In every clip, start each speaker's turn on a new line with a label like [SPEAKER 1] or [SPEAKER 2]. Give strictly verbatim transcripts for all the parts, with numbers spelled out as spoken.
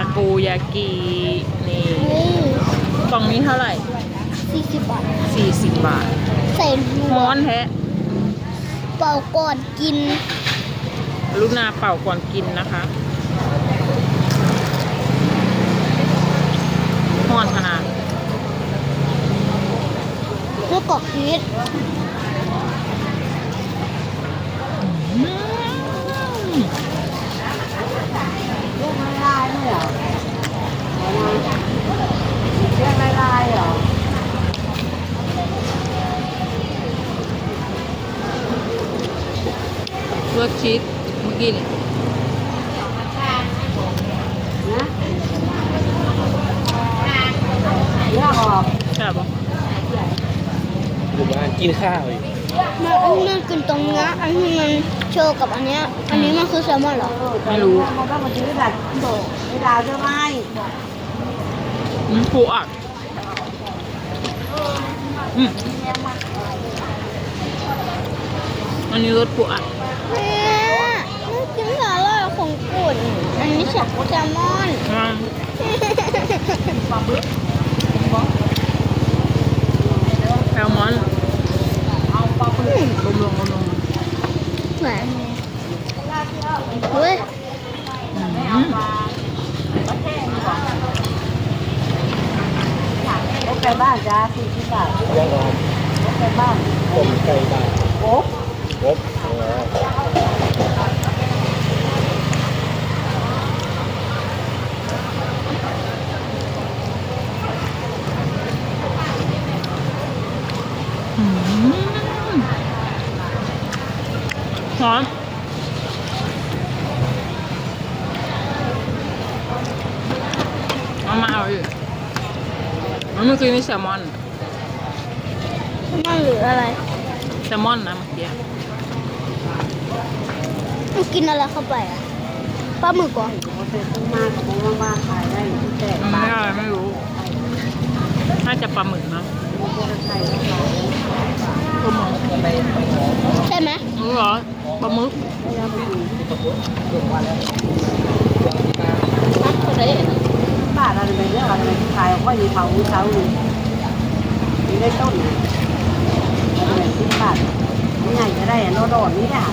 [SPEAKER 1] โกยากินี่
[SPEAKER 2] นี่
[SPEAKER 1] กล่องนี้เท่าไหร่
[SPEAKER 2] สี่สิบบาท
[SPEAKER 1] สี่สิบบาท
[SPEAKER 2] ใส่รว
[SPEAKER 1] ม้อน
[SPEAKER 2] ม
[SPEAKER 1] แท้
[SPEAKER 2] เป่าก่อนกิน
[SPEAKER 1] ลูกนาเป่าก่อนกินนะคะห้อนขนาด
[SPEAKER 2] เพื่อกรอกชีส
[SPEAKER 1] อืม
[SPEAKER 3] เรื่องลายๆเหรอเรื่องลายๆเหรอ
[SPEAKER 1] เลือกชีสเมื่อกี้นี่
[SPEAKER 3] นะเลือกออก
[SPEAKER 1] ใช่ปะ
[SPEAKER 4] อยู่บ้านกินข้าวอยู่
[SPEAKER 2] มันอันนี้มันกินตรงเนี้ยอันนี้มันโชว์กับอันเนี้ยอันนี้มันคือแซลมอนเหรอ
[SPEAKER 1] ไม่รู้
[SPEAKER 3] มันก็มาซื้อแบบโดดเวลาจะไม่
[SPEAKER 1] อืมปูอัดอืมอันนี้รสปูอัด
[SPEAKER 2] เนี่ยมันกินสาหร่ายของกุ่นอันนี้แซลมอน
[SPEAKER 1] อืมแซลมอน
[SPEAKER 2] อืม
[SPEAKER 1] ลงลงลงลง
[SPEAKER 2] แหวนเฮ้ย
[SPEAKER 1] อืม
[SPEAKER 3] รถไปบ้านจ้าสี่สิบบาท
[SPEAKER 4] ย่างร้อน
[SPEAKER 3] รถไปบ้าน
[SPEAKER 4] ต้มไก่บ้าน
[SPEAKER 3] โอ้
[SPEAKER 4] ครบอ๋อ
[SPEAKER 1] อืมหอมเอามาเอาอีกมันเมื่อกี้มีแซลมอน
[SPEAKER 2] แซลมอนหรืออะไร
[SPEAKER 1] แซลมอนนะเมื่อกี้
[SPEAKER 2] มันกินอะไรเข้าไปอ่ะปลาหมึกก่อน
[SPEAKER 3] โหเสร็จต้องมาของมากๆขายได้ที่แจก
[SPEAKER 1] มัน
[SPEAKER 3] บ้า
[SPEAKER 1] ไม่
[SPEAKER 3] น
[SPEAKER 1] อะไรไม่รู้ น่าจะปลาหมึกนะ
[SPEAKER 3] มันก็ใส่แล้วเรา
[SPEAKER 1] ปลาหมึก
[SPEAKER 2] ใช่ไหม
[SPEAKER 1] รู้เหรอปลาหมึก
[SPEAKER 3] ไม่ได้ไปดู
[SPEAKER 2] นักอะไร
[SPEAKER 3] บ้านอะไรไปเรื่องอะไรขายก็อยู่เขาเช้าอยู่มีได้ต้นอะไรสิบบาทนี่ไงจะได้โนโดดนี่อ่ะ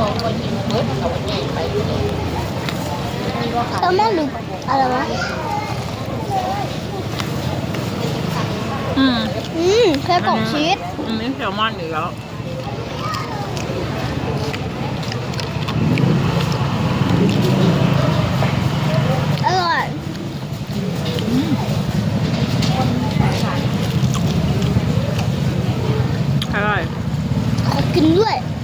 [SPEAKER 2] แซลมอนหรืออะไรวะ
[SPEAKER 1] อืม
[SPEAKER 2] อืมแค่กล่องชีส
[SPEAKER 1] อันนี้แซลมอนอีกแล้ว
[SPEAKER 2] อร่อย
[SPEAKER 1] อร่อย
[SPEAKER 2] ขอกินด้วย
[SPEAKER 1] อ